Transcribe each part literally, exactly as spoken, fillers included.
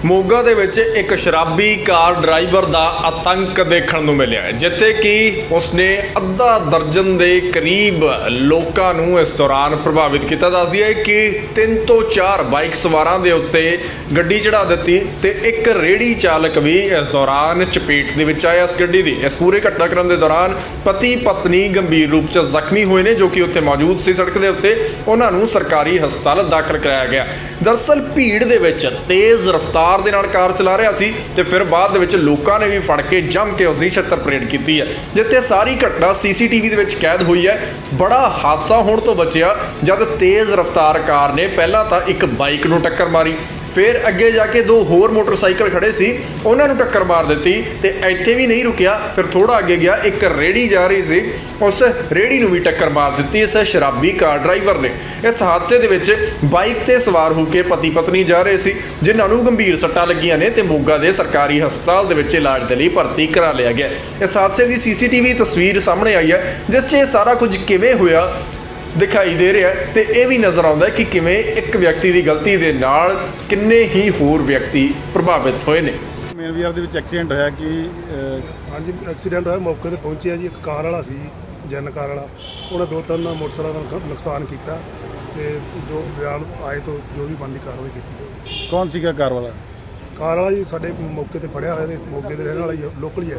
ਮੋਗਾ ਦੇ ਵਿੱਚ ਇੱਕ ਸ਼ਰਾਬੀ ਕਾਰ ਡਰਾਈਵਰ ਦਾ ਆਤੰਕ ਦੇਖਣ ਨੂੰ ਮਿਲਿਆ, ਜਿੱਥੇ ਕਿ ਉਸਨੇ ਅੱਧਾ ਦਰਜਨ ਦੇ ਕਰੀਬ ਲੋਕਾਂ ਨੂੰ ਇਸ ਦੌਰਾਨ ਪ੍ਰਭਾਵਿਤ ਕੀਤਾ। ਦੱਸਦੀ ਹੈ ਕਿ ਤਿੰਨ ਤੋਂ ਚਾਰ ਬਾਈਕ ਸਵਾਰਾਂ ਦੇ ਉੱਤੇ ਗੱਡੀ ਚੜਾ ਦਿੱਤੀ ਤੇ ਇੱਕ ਰੇਹੜੀ ਚਾਲਕ ਵੀ ਇਸ ਦੌਰਾਨ ਚਪੇਟ ਦੇ ਵਿੱਚ ਆਇਆ ਇਸ ਗੱਡੀ ਦੀ। ਇਸ ਪੂਰੇ ਘਟਨਾਕ੍ਰਮ ਦੇ ਦੌਰਾਨ ਪਤੀ ਪਤਨੀ ਗੰਭੀਰ ਰੂਪ 'ਚ ਜ਼ਖਮੀ ਹੋਏ ਨੇ, ਜੋ ਕਿ ਉੱਥੇ ਮੌਜੂਦ ਸੀ ਸੜਕ ਦੇ ਉੱਤੇ। ਉਹਨਾਂ ਨੂੰ ਸਰਕਾਰੀ ਹਸਪਤਾਲ ਦਾਖਲ ਕਰਾਇਆ ਗਿਆ। ਦਰਅਸਲ ਭੀੜ ਦੇ ਵਿੱਚ ਤੇਜ਼ ਰਫ਼ਤਾਰ ਦੇ ਨਾਲ ਕਾਰ ਚਲਾ ਰਿਹਾ ਸੀ ਤੇ ਫਿਰ ਬਾਅਦ ਦੇ ਵਿੱਚ ਲੋਕਾਂ ਨੇ ਵੀ ਫੜ ਕੇ ਜੰਮ ਕੇ ਉਸ ਦੀ ਛੱਤਰ ਪਰੇਡ ਕੀਤੀ ਹੈ, ਜਿੱਥੇ ਸਾਰੀ ਘਟਨਾ ਸੀਸੀਟੀਵੀ ਦੇ ਵਿੱਚ ਕੈਦ ਹੋਈ ਹੈ। ਬੜਾ ਹਾਦਸਾ ਹੋਣ ਤੋਂ ਬਚਿਆ ਜਦ ਤੇਜ਼ ਰਫ਼ਤਾਰ ਕਾਰ ਨੇ ਪਹਿਲਾਂ ਤਾਂ ਇੱਕ ਬਾਈਕ ਨੂੰ ਟੱਕਰ ਮਾਰੀ, ਫਿਰ ਅੱਗੇ ਜਾ ਕੇ ਦੋ ਹੋਰ ਮੋਟਰਸਾਈਕਲ ਖੜੇ ਸੀ ਉਹਨਾਂ ਨੂੰ ਟੱਕਰ ਮਾਰ ਦਿੱਤੀ ਤੇ ਇੱਥੇ ਵੀ ਨਹੀਂ ਰੁਕਿਆ। ਫਿਰ ਥੋੜਾ ਅੱਗੇ ਗਿਆ, ਇੱਕ ਰੇਹੜੀ ਜਾ ਰਹੀ ਸੀ, ਉਸ ਰੇਹੜੀ ਨੂੰ ਵੀ ਟੱਕਰ ਮਾਰ ਦਿੱਤੀ ਇਸ ਸ਼ਰਾਬੀ ਕਾਰ ਡਰਾਈਵਰ ਨੇ। ਇਸ ਹਾਦਸੇ ਦੇ ਵਿੱਚ ਬਾਈਕ ਤੇ ਸਵਾਰ ਹੋ ਕੇ ਪਤੀ ਪਤਨੀ ਜਾ ਰਹੇ ਸੀ, ਜਿਨ੍ਹਾਂ ਨੂੰ ਗੰਭੀਰ ਸੱਟਾਂ ਲੱਗੀਆਂ ਨੇ ਤੇ ਮੋਗਾ ਦੇ ਸਰਕਾਰੀ ਹਸਪਤਾਲ ਦੇ ਵਿੱਚ ਇਲਾਜ ਦੇ ਲਈ ਭਰਤੀ ਕਰਾ ਲਿਆ ਗਿਆ। ਇਸ ਹਾਦਸੇ ਦੀ ਸੀਸੀਟੀਵੀ ਤਸਵੀਰ ਸਾਹਮਣੇ ਆਈ ਹੈ, ਜਿਸ 'ਚ ਇਹ ਸਾਰਾ ਕੁਝ ਕਿਵੇਂ ਹੋਇਆ ਦਿਖਾਈ ਦੇ ਰਿਹਾ ਤੇ ਇਹ ਵੀ ਨਜ਼ਰ ਆਉਂਦਾ ਕਿ ਕਿਵੇਂ ਇੱਕ ਵਿਅਕਤੀ ਦੀ ਗਲਤੀ ਦੇ ਨਾਲ ਕਿੰਨੇ ਹੀ ਹੋਰ ਵਿਅਕਤੀ ਪ੍ਰਭਾਵਿਤ ਹੋਏ ਨੇ। ਮੇਨ ਵੀਆਰ ਦੇ ਵਿੱਚ ਐਕਸੀਡੈਂਟ ਹੋਇਆ ਕਿ ਹਾਂਜੀ ਐਕਸੀਡੈਂਟ ਹੋਇਆ, ਮੌਕੇ ਤੇ ਪਹੁੰਚਿਆ ਜੀ। ਇੱਕ ਕਾਰ ਵਾਲਾ ਸੀ, ਜਨ ਕਾਰ ਵਾਲਾ, ਉਹਨੇ ਦੋ ਤਿੰਨ ਮੋਟਰਸਾਈਕਲਾਂ ਦਾ ਨੁਕਸਾਨ ਕੀਤਾ ਤੇ ਜੋ ਬਿਆਨ ਆਏ ਤੋਂ ਜੋ ਵੀ ਬਣਦੀ ਕਾਰਵਾਈ ਕੀਤੀ। ਕੌਣ ਸੀਗਾ ਕਾਰ ਵਾਲਾ? ਕਾਰ ਵਾਲਾ ਜੀ ਸਾਡੇ ਮੌਕੇ ਤੇ ਫੜਿਆ ਹੋਇਆ ਤੇ ਮੌਕੇ ਦੇ ਰਹਿਣ ਵਾਲਾ ਹੀ ਲੋਕਲ ਹੀ ਹੈ।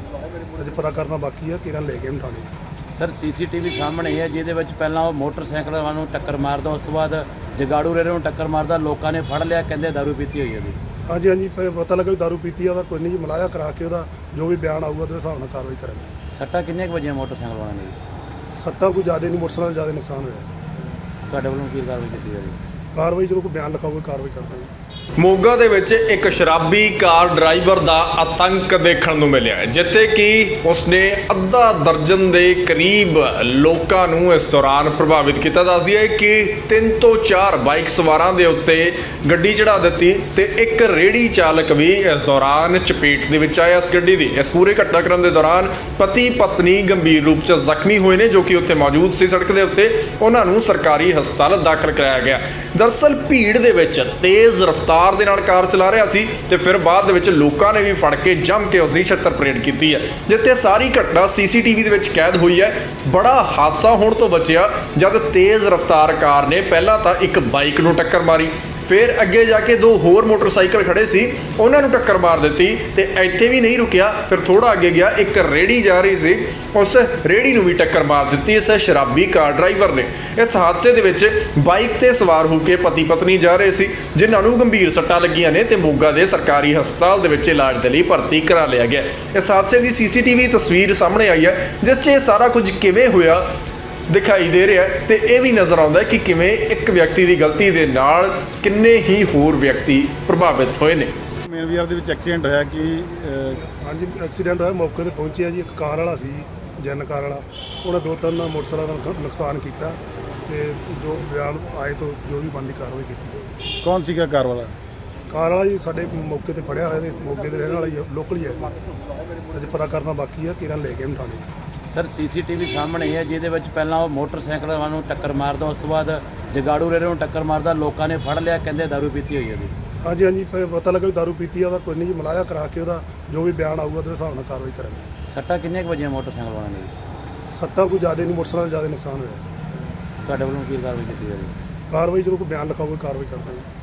ਅਜੇ ਪਤਾ ਕਰਨਾ ਬਾਕੀ ਹੈ, ਕਿਹਨਾਂ ਲੈ ਕੇ ਉਠਾਣੇ। ਸਰ ਸੀਸੀਟੀਵੀ ਸਾਹਮਣੇ ਹੈ, ਜਿਹਦੇ ਵਿੱਚ ਪਹਿਲਾਂ ਉਹ ਮੋਟਰਸਾਈਕਲ ਵਾਲਾ ਨੂੰ ਟੱਕਰ ਮਾਰਦਾ, ਉਸ ਤੋਂ ਬਾਅਦ ਜਗਾੜੂ ਰੇਰੇ ਨੂੰ ਟੱਕਰ ਮਾਰਦਾ, ਲੋਕਾਂ ਨੇ ਫੜ ਲਿਆ, ਕਹਿੰਦੇ ਦਾਰੂ ਪੀਤੀ ਹੋਈ ਹੈ ਜੀ। ਹਾਂਜੀ ਹਾਂਜੀ ਪਤਾ ਲੱਗਾ ਵੀ ਦਾਰੂ ਪੀਤੀ ਆ, ਉਹਦਾ ਕੋਈ ਨਹੀਂ ਜੀ, ਮਲਾਇਆ ਕਰਾ ਕੇ ਉਹਦਾ ਜੋ ਵੀ ਬਿਆਨ ਆਊਗਾ ਉਹਦੇ ਹਿਸਾਬ ਨਾਲ ਕਾਰਵਾਈ ਕਰਾਂਗੇ। ਸੱਟਾਂ ਕਿੰਨੀਆਂ ਕੁ ਵਜੀਆਂ ਮੋਟਰਸਾਈਕਲ ਵਾਲਿਆਂ ਨੇ ਜੀ? ਸੱਟਾਂ ਕੋਈ ਜ਼ਿਆਦਾ ਨਹੀਂ, ਮੋਟਰਸਾਈਕਲ ਜ਼ਿਆਦਾ ਨੁਕਸਾਨ ਹੋਇਆ। ਤੁਹਾਡੇ ਵੱਲੋਂ ਕੀ ਕਾਰਵਾਈ ਕੀਤੀ ਜਾਵੇ? ਕਾਰਵਾਈ ਜਦੋਂ ਕੋਈ ਬਿਆਨ ਲਿਖਾਓਗੇ ਕਾਰਵਾਈ ਕਰਾਂਗੇ। ਮੋਗਾ ਦੇ ਵਿੱਚ ਇੱਕ ਸ਼ਰਾਬੀ ਕਾਰ ਡਰਾਈਵਰ ਦਾ ਆਤੰਕ ਦੇਖਣ ਨੂੰ ਮਿਲਿਆ, ਜਿੱਥੇ ਕਿ ਉਸਨੇ ਅੱਧਾ ਦਰਜਨ ਦੇ ਕਰੀਬ ਲੋਕਾਂ ਨੂੰ ਇਸ ਦੌਰਾਨ ਪ੍ਰਭਾਵਿਤ ਕੀਤਾ। ਦੱਸਦੀ ਹੈ ਕਿ ਤਿੰਨ ਤੋਂ ਚਾਰ ਬਾਈਕ ਸਵਾਰਾਂ ਦੇ ਉੱਤੇ ਗੱਡੀ ਚੜਾ ਦਿੱਤੀ ਤੇ ਇੱਕ ਰੇਹੜੀ ਚਾਲਕ ਵੀ ਇਸ ਦੌਰਾਨ ਚਪੇਟ ਦੇ ਵਿੱਚ ਆਇਆ ਇਸ ਗੱਡੀ ਦੀ। ਇਸ ਪੂਰੇ ਘਟਨਾਕ੍ਰਮ ਦੇ ਦੌਰਾਨ ਪਤੀ ਪਤਨੀ ਗੰਭੀਰ ਰੂਪ 'ਚ ਜ਼ਖਮੀ ਹੋਏ ਨੇ, ਜੋ ਕਿ ਉੱਥੇ ਮੌਜੂਦ ਸੀ ਸੜਕ ਦੇ ਉੱਤੇ। ਉਹਨਾਂ ਨੂੰ ਸਰਕਾਰੀ ਹਸਪਤਾਲ ਦਾਖਲ ਕਰਾਇਆ ਗਿਆ। ਦਰਅਸਲ ਭੀੜ ਦੇ ਵਿੱਚ ਤੇਜ਼ ਰਫ਼ਤਾਰ ਦੇ ਨਾਲ ਕਾਰ ਚਲਾ ਰਿਹਾ ਸੀ ਤੇ ਫਿਰ ਬਾਅਦ ਦੇ ਵਿੱਚ ਲੋਕਾਂ ਨੇ ਵੀ ਫੜ ਕੇ ਜੰਮ ਕੇ ਉਸ ਦੀ ਛੱਤਰ ਪਰੇਡ ਕੀਤੀ ਹੈ, ਜਿੱਥੇ ਸਾਰੀ ਘਟਨਾ ਸੀਸੀਟੀਵੀ ਦੇ ਵਿੱਚ ਕੈਦ ਹੋਈ ਹੈ। ਬੜਾ ਹਾਦਸਾ ਹੋਣ ਤੋਂ ਬਚਿਆ ਜਦ ਤੇਜ਼ ਰਫ਼ਤਾਰ ਕਾਰ ਨੇ ਪਹਿਲਾਂ ਤਾਂ ਇੱਕ ਬਾਈਕ ਨੂੰ ਟੱਕਰ ਮਾਰੀ, ਫਿਰ ਅੱਗੇ ਜਾ ਕੇ ਦੋ ਹੋਰ ਮੋਟਰਸਾਈਕਲ ਖੜੇ ਸੀ ਉਹਨਾਂ ਨੂੰ ਟੱਕਰ ਮਾਰ ਦਿੱਤੀ ਤੇ ਇੱਥੇ ਵੀ ਨਹੀਂ ਰੁਕਿਆ। ਫਿਰ ਥੋੜਾ ਅੱਗੇ ਗਿਆ, ਇੱਕ ਰੇਹੜੀ ਜਾ ਰਹੀ ਸੀ, ਉਸ ਰੇਹੜੀ ਨੂੰ ਵੀ ਟੱਕਰ ਮਾਰ ਦਿੱਤੀ ਇਸ ਸ਼ਰਾਬੀ ਕਾਰ ਡਰਾਈਵਰ ਨੇ। ਇਸ ਹਾਦਸੇ ਦੇ ਵਿੱਚ ਬਾਈਕ ਤੇ ਸਵਾਰ ਹੋ ਕੇ ਪਤੀ ਪਤਨੀ ਜਾ ਰਹੇ ਸੀ, ਜਿਨ੍ਹਾਂ ਨੂੰ ਗੰਭੀਰ ਸੱਟਾਂ ਲੱਗੀਆਂ ਨੇ ਤੇ ਮੋਗਾ ਦੇ ਸਰਕਾਰੀ ਹਸਪਤਾਲ ਦੇ ਵਿੱਚ ਇਲਾਜ ਦੇ ਲਈ ਭਰਤੀ ਕਰਾ ਲਿਆ ਗਿਆ। ਇਸ ਹਾਦਸੇ ਦੀ ਸੀਸੀਟੀਵੀ ਤਸਵੀਰ ਸਾਹਮਣੇ ਆਈ ਹੈ, ਜਿਸ 'ਚ ਇਹ ਸਾਰਾ ਕੁਝ ਕਿਵੇਂ ਹੋਇਆ ਦਿਖਾਈ ਦੇ ਰਿਹਾ ਤੇ ਇਹ ਵੀ ਨਜ਼ਰ ਆਉਂਦਾ ਕਿ ਕਿਵੇਂ ਇੱਕ ਵਿਅਕਤੀ ਦੀ ਗਲਤੀ ਦੇ ਨਾਲ ਕਿੰਨੇ ਹੀ ਹੋਰ ਵਿਅਕਤੀ ਪ੍ਰਭਾਵਿਤ ਹੋਏ ਨੇ। ਮੇਨ ਵੀਆਰ ਦੇ ਵਿੱਚ ਐਕਸੀਡੈਂਟ ਹੋਇਆ ਕਿ ਹਾਂਜੀ ਐਕਸੀਡੈਂਟ ਹੋਇਆ, ਮੌਕੇ ਤੇ ਪਹੁੰਚਿਆ ਜੀ। ਇੱਕ ਕਾਰ ਵਾਲਾ ਸੀ, ਜਨ ਕਾਰ ਵਾਲਾ, ਉਹਨੇ ਦੋ ਤਿੰਨ ਮੋਟਰਸਾਈਕਲਾਂ ਦਾ ਨੁਕਸਾਨ ਕੀਤਾ ਤੇ ਜੋ ਬਿਆਨ ਆਏ ਤੋਂ ਜੋ ਵੀ ਬਣਦੀ ਕਾਰਵਾਈ ਕੀਤੀ। ਕੌਣ ਸੀਗਾ ਕਾਰ ਵਾਲਾ? ਕਾਰ ਵਾਲਾ ਜੀ ਸਾਡੇ ਮੌਕੇ ਤੇ ਫੜਿਆ ਹੋਇਆ ਤੇ ਮੌਕੇ ਦੇ ਰਹਿਣ ਵਾਲਾ ਹੀ ਲੋਕਲ ਹੀ ਹੈ। ਅਜੇ ਪਤਾ ਕਰਨਾ ਬਾਕੀ ਹੈ, ਕਿਹਨਾਂ ਲੈ ਕੇ ਉਠਾਣੇ। ਸਰ ਸੀਸੀਟੀਵੀ ਸਾਹਮਣੇ ਹੈ, ਜਿਹਦੇ ਵਿੱਚ ਪਹਿਲਾਂ ਉਹ ਮੋਟਰਸਾਈਕਲ ਵਾਲਾ ਨੂੰ ਟੱਕਰ ਮਾਰਦਾ, ਉਸ ਤੋਂ ਬਾਅਦ ਜਗਾੜੂ ਰੇਰੇ ਨੂੰ ਟੱਕਰ ਮਾਰਦਾ, ਲੋਕਾਂ ਨੇ ਫੜ ਲਿਆ, ਕਹਿੰਦੇ ਦਾਰੂ ਪੀਤੀ ਹੋਈ ਹੈ ਜੀ। ਹਾਂਜੀ ਹਾਂਜੀ ਪਤਾ ਲੱਗਾ ਵੀ ਦਾਰੂ ਪੀਤੀ ਆ, ਉਹਦਾ ਕੋਈ ਨਹੀਂ ਜੀ, ਮਲਾਇਆ ਕਰਾ ਕੇ ਉਹਦਾ ਜੋ ਵੀ ਬਿਆਨ ਆਊਗਾ ਉਹਦੇ ਹਿਸਾਬ ਨਾਲ ਕਾਰਵਾਈ ਕਰਾਂਗੇ। ਸੱਟਾਂ ਕਿੰਨੀਆਂ ਕੁ ਵਜੀਆਂ ਮੋਟਰਸਾਈਕਲ ਵਾਲਿਆਂ ਨੇ ਜੀ? ਸੱਟਾਂ ਕੋਈ ਜ਼ਿਆਦਾ ਨਹੀਂ, ਮੋਟਰਸਾਈਕਲ ਜ਼ਿਆਦਾ ਨੁਕਸਾਨ ਹੋਇਆ। ਤੁਹਾਡੇ ਵੱਲੋਂ ਕੀ ਕਾਰਵਾਈ ਕੀਤੀ ਜਾਵੇ? ਕਾਰਵਾਈ ਜਦੋਂ ਕੋਈ ਬਿਆਨ ਲਿਖਾਓਗੇ ਕਾਰਵਾਈ ਕਰਾਂਗੇ।